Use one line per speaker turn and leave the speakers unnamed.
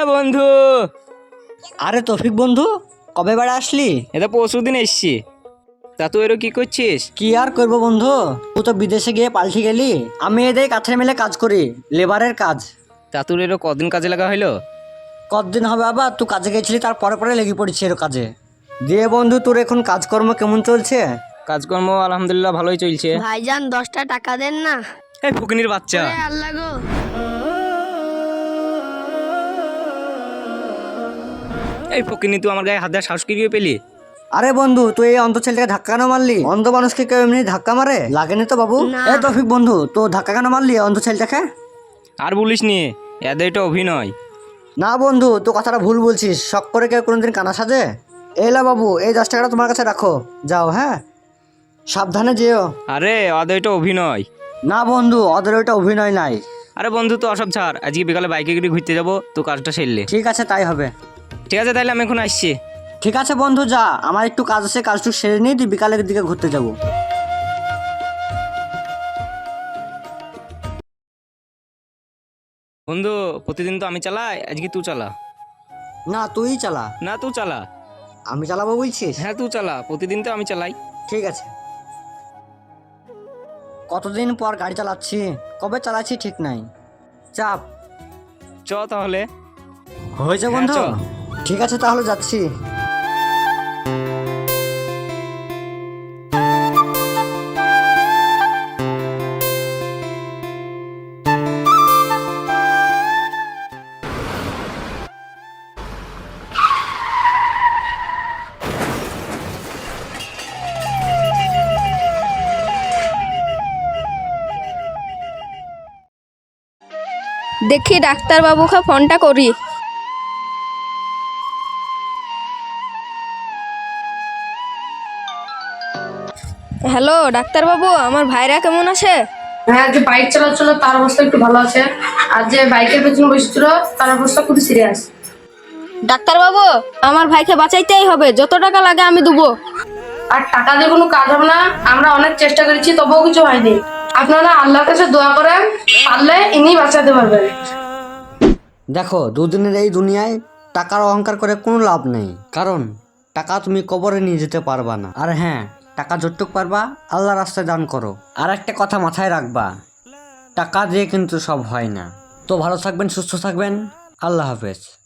বন্ধু।
আরে তৌফিক বন্ধু, কবে বেড়া আসলি?
এটা পরশুদিন এসছি। তা তুই এরও কি করছিস?
কি আর করবো বন্ধু, তুই তো বিদেশে গিয়ে পাল্টি গেলি। আমি এদের কাছে মিলে কাজ করি, লেবারের কাজ।
তা তোর এরও কদিন কাজে লাগা হইলো?
কতদিন হবে আবার, তুই কাজে গেছিলি তার পরে পরে লেগে পড়েছি এর কাজে। দিয়ে বন্ধু, তোর এখন কাজকর্ম কেমন চলছে?
কাজকর্ম আলহামদুলিল্লাহ ভালোই চলছে।
ভাইজান 10টা টাকা দেন না।
এই ফকিনির বাচ্চা,
ওরে আল্লাহ গো।
এই ফকিনি তুই আমার গায়ে হাত দেওয়ার সাহস কি করে পেলি?
আরে বন্ধু, তুই এই অন্ধ ছেলেটাকে ধাক্কা কেন মারলি? অন্ধ মানুষকে কেউ এমনি ধাক্কা মারে? লাগেনি তো বাবু?
না।
এ তৌফিক বন্ধু, তো ধাক্কা কেন মারলি অন্ধ ছেলেটাকে?
আর বলিস নি, এদের এটা অভিনয়।
না বন্ধু, তো কথাটা ভুল বলছিস। শখ করে কেউ কোনোদিন কানা সাজে? এলা বাবু, এই 10 টাকাটা তোমার কাছে রাখো, যাও। হ্যাঁ, সাবধানে যেও।
আরে ওদের এটা অভিনয়।
না বন্ধু, ওদের ওইটা অভিনয় নাই।
আরে বন্ধু তো অসব ছাড়, আজকে বিকালে বাইকে করে ঘুরতে যাবো, তো কাজটা সেরলে।
ঠিক আছে, তাই হবে।
ঠিক আছে তাহলে আমি এখন আসছি।
ঠিক আছে বন্ধু, যা। আমার একটু কাজ আছে, কাজটুকু সেরে নিয়ে তুই বিকালের দিকে ঘুরতে যাবো।
বন্ধু প্রতিদিন তো আমি চালাই, আজকে তুই চালা।
না, তুই চালা।
না তুই চালা।
আমি চালাবো বলছিস?
হ্যাঁ তুই চালা, প্রতিদিন তো আমি চালাই।
ঠিক আছে। কতদিন পর গাড়ি চালাচ্ছি, কবে চালাচ্ছি ঠিক নাই। চাপ
চ তাহলে।
হয়েছে
হ্যাঁ,
বন্ধু।
চ।
ঠিক আছে, তাহলে যাচ্ছি।
দেখি ডাক্তার বাবুকে ফোনটা করি। হ্যালো ডাক্তার বাবু, আমার ভাইরা কেমন আছে?
হ্যাঁ, যে বাইক চালাচ্ছিল তার অবস্থা একটু ভালো আছে, আর যে বাইকের পেছনে বসেছিল তার অবস্থা খুবই সিরিয়াস।
ডাক্তার বাবু, আমার ভাইকে বাঁচাইতেই হবে, যত টাকা লাগে আমি দেবো।
আর টাকা দিয়ে কোনো কাজ হবে না, আমরা অনেক চেষ্টা করেছি তবুও কিছু হয়নি। আপনারা আল্লাহর কাছে দোয়া করেন, পারলে ইনি বাঁচাতে পারবেন।
দেখো, দুদিনের এই দুনিয়ায় টাকার অহংকার করে কোনো লাভ নেই, কারণ টাকা তুমি কবরে নিয়ে যেতে পারবা না। আর হ্যাঁ, টাকা যতটুক পারবা আল্লাহ রাস্তায় দান করো। আর একটা কথা মাথায় রাখবা, টাকা দিয়ে কিন্তু সব হয় না। তো ভালো থাকবেন, সুস্থ থাকবেন। আল্লাহ হাফেজ।